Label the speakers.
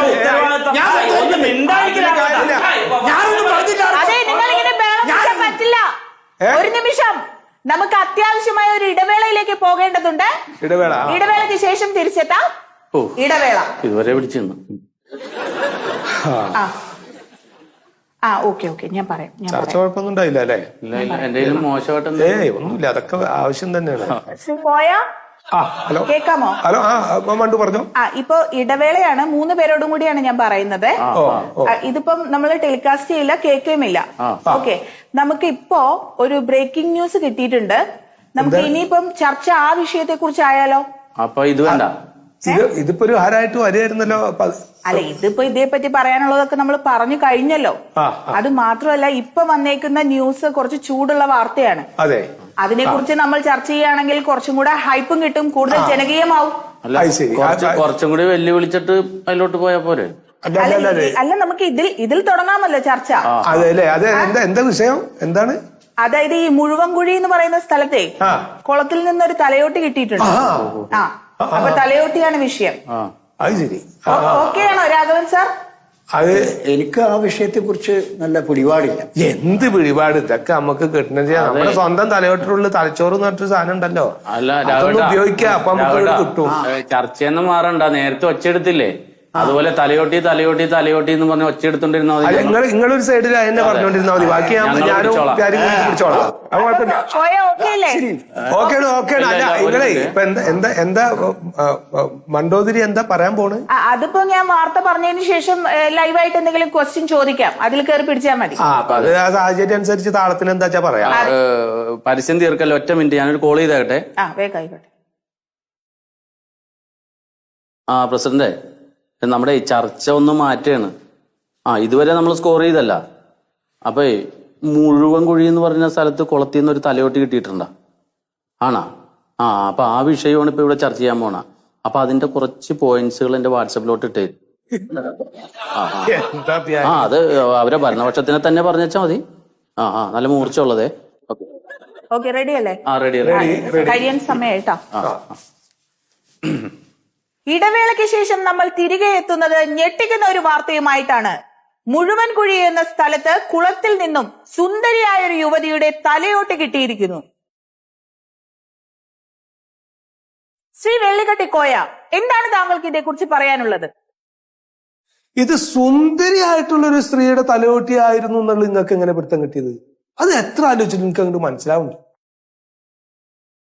Speaker 1: അതെ, നിങ്ങളിങ്ങനെ പറ്റില്ല. ഒരു നിമിഷം, നമുക്ക് അത്യാവശ്യമായ ഒരു ഇടവേളയിലേക്ക് പോകേണ്ടതുണ്ട്. ഇടവേളയ്ക്ക് ശേഷം തിരിച്ചെത്താം. ഇടവേള
Speaker 2: ഇതുവരെ പിടിച്ചിരുന്നു.
Speaker 1: ഓക്കെ ഞാൻ പറയാം.
Speaker 3: ചർച്ച കുഴപ്പമൊന്നും ഉണ്ടായില്ല അല്ലേ?
Speaker 2: എന്തെങ്കിലും മോശമായിട്ട്
Speaker 3: ഒന്നുമില്ല, അതൊക്കെ ആവശ്യം തന്നെയാണ്.
Speaker 1: ഹലോ, കേക്കാമോ?
Speaker 3: ഹലോ, മണ്ടു പറഞ്ഞോ.
Speaker 1: ഇപ്പൊ ഇടവേളയാണ്, 3 പേരോടും കൂടിയാണ് ഞാൻ പറയുന്നത്. ഇതിപ്പം നമ്മൾ ടെലികാസ്റ്റ് ചെയ്യില്ല, കേൾക്കുകയുമില്ല. ഓക്കെ, നമുക്ക് ഇപ്പോ ഒരു ബ്രേക്കിംഗ് ന്യൂസ് കിട്ടിയിട്ടുണ്ട്. നമുക്ക് ഇനിയിപ്പം ചർച്ച ആ വിഷയത്തെ കുറിച്ചായാലോ?
Speaker 2: അപ്പൊ ഇത് വേണ്ട,
Speaker 3: ഇതിപ്പോ ഒരു ആരായിട്ട് വരികയായിരുന്നല്ലോ.
Speaker 1: അല്ല, ഇതിപ്പോ ഇതേപ്പറ്റി പറയാനുള്ളതൊക്കെ നമ്മൾ പറഞ്ഞു കഴിഞ്ഞല്ലോ. അത് മാത്രമല്ല, ഇപ്പൊ വന്നേക്കുന്ന ന്യൂസ് കുറച്ച് ചൂടുള്ള വാർത്തയാണ്.
Speaker 3: അതെ,
Speaker 1: അതിനെക്കുറിച്ച് നമ്മൾ ചർച്ച ചെയ്യുകയാണെങ്കിൽ കുറച്ചും കൂടെ ഹൈപ്പും കിട്ടും, കൂടുതൽ ജനകീയമാവും.
Speaker 2: കുറച്ചും കൂടി വെല്ലുവിളിച്ചിട്ട് അതിലോട്ട് പോയാ പോരെ?
Speaker 1: അല്ല, നമുക്ക് ഇതിൽ തുടങ്ങാമല്ലോ ചർച്ച.
Speaker 3: അതെ അല്ലേ? അതെ, എന്താ വിഷയം? എന്താണ്?
Speaker 1: അതായത് ഈ മുഴുവൻകുഴി എന്ന് പറയുന്ന സ്ഥലത്തെ കുളത്തിൽ നിന്നൊരു തലയോട്ടി കിട്ടിയിട്ടുണ്ട്. അപ്പൊ തലയോട്ടിയാണ് വിഷയം.
Speaker 3: അത് ശരി.
Speaker 1: ഓക്കെയാണോ രാഘവൻ സാർ?
Speaker 3: അത്
Speaker 4: എനിക്ക് ആ വിഷയത്തെ കുറിച്ച് നല്ല പിടിപാടില്ല.
Speaker 3: എന്ത് പിടിപാട്? ഇതൊക്കെ നമുക്ക് കിട്ടുന്നത് നമ്മുടെ സ്വന്തം തലയോട്ടിലുള്ള തലച്ചോറ് എന്ന് പറഞ്ഞൊരു സാധനം ഉണ്ടല്ലോ, അതൊന്ന് ഉപയോഗിക്കാം. അപ്പൊ നമുക്ക് കിട്ടും.
Speaker 2: ചർച്ചയൊന്നും മാറണ്ട, നേരത്തെ ഒച്ചെടുത്തില്ലേ? അതുപോലെ തലയോട്ടി തലയോട്ടി തലയോട്ടി എന്ന് പറഞ്ഞ് ഒച്ചയെടുത്തോണ്ടിരുന്ന
Speaker 3: നിങ്ങളൊരു സൈഡിൽ എന്നെ പറഞ്ഞോണ്ടിരുന്നാ മതി, ബാക്കി ഞാനും പിടിച്ചോളാം. ഓക്കെയാണ്. അല്ല, നിങ്ങളെ ഇപ്പൊ എന്താ മണ്ടോതിരി എന്താ പറയാൻ പോണ്?
Speaker 1: അതിപ്പോ ഞാൻ വാർത്ത പറഞ്ഞതിന് ശേഷം ലൈവായിട്ട് എന്തെങ്കിലും ക്വസ്റ്റ്യൻ ചോദിക്കാം, അതിൽ കയറി പിടിച്ചാൽ മതി.
Speaker 3: അത് ആ സാഹചര്യം അനുസരിച്ച് താളത്തിന് എന്താ വെച്ചാ പറയാം.
Speaker 2: പരസ്യം തീർക്കല്ലോ, ഒറ്റ മിനിറ്റ് ഞാനൊരു കോൾ ചെയ്തേട്ടെ.
Speaker 1: വേഗം ആയിക്കോട്ടെ.
Speaker 2: പ്രസിഡന്റ്, നമ്മുടെ ഈ ചർച്ച ഒന്ന് മാറ്റുകയാണ്. ഇതുവരെ നമ്മൾ സ്കോർ ചെയ്തല്ല. അപ്പൊ മുഴുവൻ കുഴി എന്ന് പറഞ്ഞ സ്ഥലത്ത് കുളത്തിൽ നിന്ന് ഒരു തലയോട്ടി കിട്ടിയിട്ടുണ്ടോ? ആണോ? അപ്പൊ ആ വിഷയമാണ് ഇപ്പൊ ഇവിടെ ചർച്ച ചെയ്യാൻ പോണ. അപ്പൊ അതിന്റെ കുറച്ച് പോയിന്റ്സുകൾ എന്റെ വാട്സപ്പിലോട്ട് ഇട്ടേ. അത് അവരെ ഭരണപക്ഷത്തിനെ തന്നെ പറഞ്ഞാ മതി. നല്ല മൂർച്ച ഉള്ളതേ.
Speaker 1: ഓക്കെ, റെഡി അല്ലേ?
Speaker 2: റെഡി.
Speaker 1: കഴിയാൻ സമയമായിട്ടാ. ഇടവേളയ്ക്ക് ശേഷം നമ്മൾ തിരികെ എത്തുന്നത് ഞെട്ടിക്കുന്ന ഒരു വാർത്തയുമായിട്ടാണ്. മുഴുവൻ കുഴി എന്ന സ്ഥലത്ത് കുളത്തിൽ നിന്നും സുന്ദരിയായ ഒരു യുവതിയുടെ തലയോട്ട് കിട്ടിയിരിക്കുന്നു. ശ്രീ വെള്ളിക്കട്ടിക്കോയ, എന്താണ് താങ്കൾക്ക് ഇതേക്കുറിച്ച് പറയാനുള്ളത്?
Speaker 3: ഇത് സുന്ദരിയായിട്ടുള്ള ഒരു സ്ത്രീയുടെ തലയോട്ടി ആയിരുന്നു എന്നുള്ളത് നിങ്ങൾക്ക് എങ്ങനെ പിടുത്തം കിട്ടിയത്? അത് എത്ര ആലോചിച്ചിട്ട് നിങ്ങൾക്ക് അങ്ങോട്ട് മനസ്സിലാവുന്നുണ്ട്?